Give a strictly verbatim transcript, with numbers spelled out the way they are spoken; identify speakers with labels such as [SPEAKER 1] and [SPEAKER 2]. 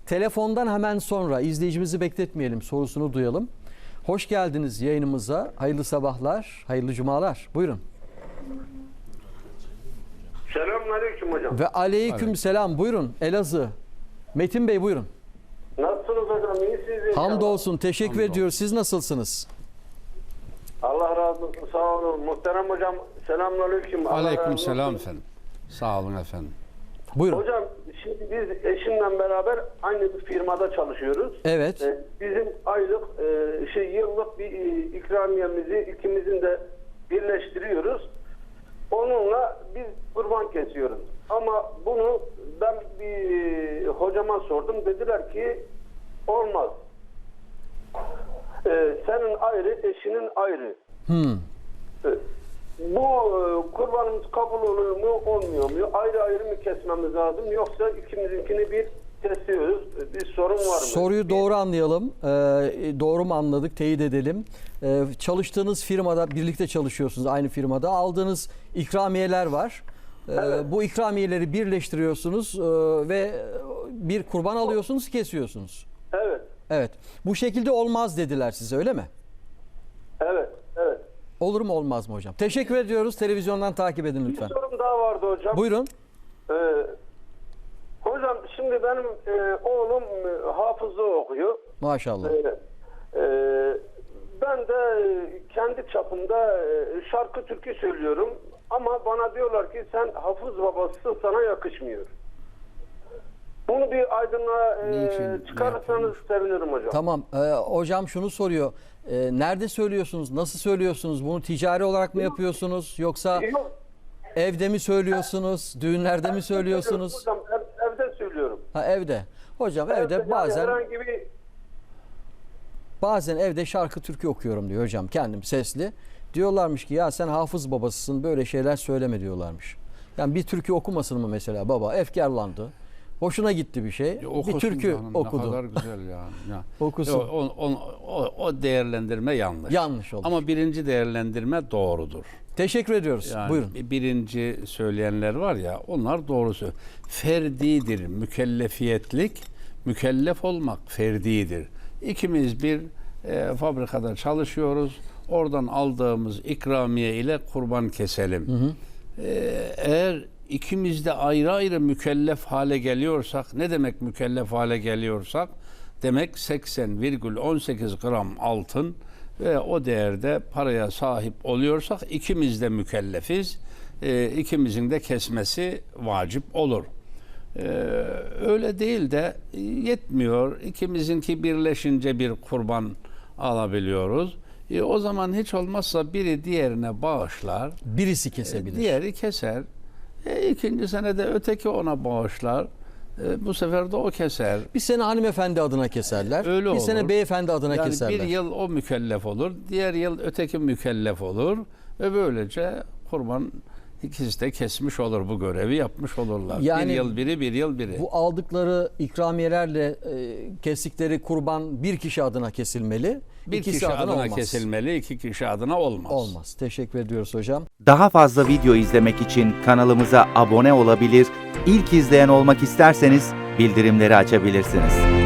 [SPEAKER 1] Telefondan hemen sonra izleyicimizi bekletmeyelim, sorusunu duyalım. Hoş geldiniz yayınımıza. Hayırlı sabahlar, hayırlı cumalar. Buyurun.
[SPEAKER 2] Selamünaleyküm hocam.
[SPEAKER 1] Ve aleyküm selam. Buyurun Elazığ. Metin Bey buyurun.
[SPEAKER 2] Nasılsınız hocam? İyisiniz inşallah.
[SPEAKER 1] Hamdolsun. Teşekkür
[SPEAKER 3] Hamdolsun.
[SPEAKER 1] ediyoruz. Siz nasılsınız?
[SPEAKER 2] Allah razı olsun. Sağ olun. Muhterem hocam selamünaleyküm. Allah razı
[SPEAKER 3] Aleyküm
[SPEAKER 2] olsun.
[SPEAKER 3] selam efendim. Sağ olun efendim.
[SPEAKER 1] Buyurun.
[SPEAKER 2] Hocam şimdi biz eşimle beraber aynı bir firmada çalışıyoruz.
[SPEAKER 1] Evet.
[SPEAKER 2] Ee, Bizim aylık e, şey yıllık bir e, ikramiyemizi ikimizin de birleştiriyoruz. Onunla biz kurban kesiyoruz. Ama bunu ben bir hocama sordum. Dediler ki olmaz. Ee, senin ayrı, eşinin ayrı.
[SPEAKER 1] Hmm.
[SPEAKER 2] Ee, Bu e, kurbanımız kabul oluyor mu, olmuyor mu? Ayrı ayrı mı kesmemiz lazım? Yoksa ikimizinkini bir kesiyoruz. Bir sorun var mı?
[SPEAKER 1] Soruyu doğru anlayalım. Ee, doğru mu anladık? Teyit edelim. Ee, çalıştığınız firmada, birlikte çalışıyorsunuz aynı firmada. Aldığınız ikramiyeler var. Ee,
[SPEAKER 2] Evet.
[SPEAKER 1] Bu ikramiyeleri birleştiriyorsunuz e, ve bir kurban alıyorsunuz, kesiyorsunuz.
[SPEAKER 2] Evet,
[SPEAKER 1] Evet. Bu şekilde olmaz dediler size, öyle mi?
[SPEAKER 2] evet, evet.
[SPEAKER 1] Olur mu olmaz mı hocam? Teşekkür ediyoruz. Televizyondan takip edin
[SPEAKER 2] Bir
[SPEAKER 1] lütfen.
[SPEAKER 2] sorum daha vardı hocam.
[SPEAKER 1] Buyurun.
[SPEAKER 2] Ee, hocam şimdi benim e, oğlum e, hafızlığı okuyor.
[SPEAKER 1] Maşallah.
[SPEAKER 2] Ee, e, ben de kendi çapımda e, şarkı türkü söylüyorum. Ama bana diyorlar ki sen hafız babasısın, sana yakışmıyor. Bunu bir aydınlığa e,
[SPEAKER 3] Niçin
[SPEAKER 2] çıkarırsanız
[SPEAKER 3] yapılmış?
[SPEAKER 2] sevinirim hocam.
[SPEAKER 1] Tamam. Ee, hocam şunu soruyor. Ee, nerede söylüyorsunuz? Nasıl söylüyorsunuz? Bunu ticari olarak mı yapıyorsunuz? Yoksa
[SPEAKER 2] Yok,
[SPEAKER 1] evde mi söylüyorsunuz? Düğünlerde mi söylüyorsunuz?
[SPEAKER 2] hocam ev, evde söylüyorum.
[SPEAKER 1] Ha, evde. Hocam evde
[SPEAKER 2] yani
[SPEAKER 1] bazen
[SPEAKER 2] herhangi bir
[SPEAKER 1] bazen evde şarkı türkü okuyorum diyor hocam, kendim sesli. Diyorlarmış ki ya sen hafız babasısın, böyle şeyler söyleme diyorlarmış. Yani bir türkü okumasın mı mesela baba? Efkarlandı. Hoşuna gitti bir şey.
[SPEAKER 3] Ya okusun
[SPEAKER 1] bir türkü
[SPEAKER 3] canım,
[SPEAKER 1] okudu.
[SPEAKER 3] Ne kadar güzel yani. Ya.
[SPEAKER 1] Okusun.
[SPEAKER 3] O, o, o, o, o değerlendirme yanlış.
[SPEAKER 1] Yanlış olur.
[SPEAKER 3] Ama birinci değerlendirme doğrudur.
[SPEAKER 1] Teşekkür ediyoruz.
[SPEAKER 3] Yani
[SPEAKER 1] Buyurun.
[SPEAKER 3] birinci söyleyenler var ya, onlar doğrusu. Ferdidir mükellefiyetlik, mükellef olmak ferdidir. İkimiz bir e, fabrikada çalışıyoruz. Oradan aldığımız ikramiye ile kurban keselim.
[SPEAKER 1] Hı hı.
[SPEAKER 3] E, eğer ikimiz de ayrı ayrı mükellef hale geliyorsak, ne demek mükellef hale geliyorsak? Demek seksen virgül on sekiz gram altın ve o değerde paraya sahip oluyorsak ikimiz de mükellefiz. E, ikimizin de kesmesi vacip olur. E, öyle değil de yetmiyor. İkimizinki birleşince bir kurban alabiliyoruz. E, o zaman hiç olmazsa biri diğerine bağışlar.
[SPEAKER 1] Birisi kesebilir.
[SPEAKER 3] Diğeri keser. E, ikinci senede öteki ona bağışlar. E, bu sefer de o keser.
[SPEAKER 1] Bir sene hanımefendi adına keserler.
[SPEAKER 3] Öyle
[SPEAKER 1] bir
[SPEAKER 3] olur.
[SPEAKER 1] sene beyefendi adına
[SPEAKER 3] Yani
[SPEAKER 1] keserler.
[SPEAKER 3] bir yıl o mükellef olur, diğer yıl öteki mükellef olur ve böylece kurban ikisi de kesmiş olur, bu görevi yapmış olurlar.
[SPEAKER 1] Yani
[SPEAKER 3] bir yıl biri, bir yıl biri.
[SPEAKER 1] Bu aldıkları ikramiyelerle e, kestikleri kurban bir kişi adına kesilmeli.
[SPEAKER 3] Bir
[SPEAKER 1] İkisi
[SPEAKER 3] kişi
[SPEAKER 1] adına,
[SPEAKER 3] adına
[SPEAKER 1] olmaz.
[SPEAKER 3] kesilmeli, iki kişi adına olmaz.
[SPEAKER 1] Olmaz. Teşekkür ediyoruz hocam.
[SPEAKER 4] Daha fazla video izlemek için kanalımıza abone olabilir, ilk izleyen olmak isterseniz bildirimleri açabilirsiniz.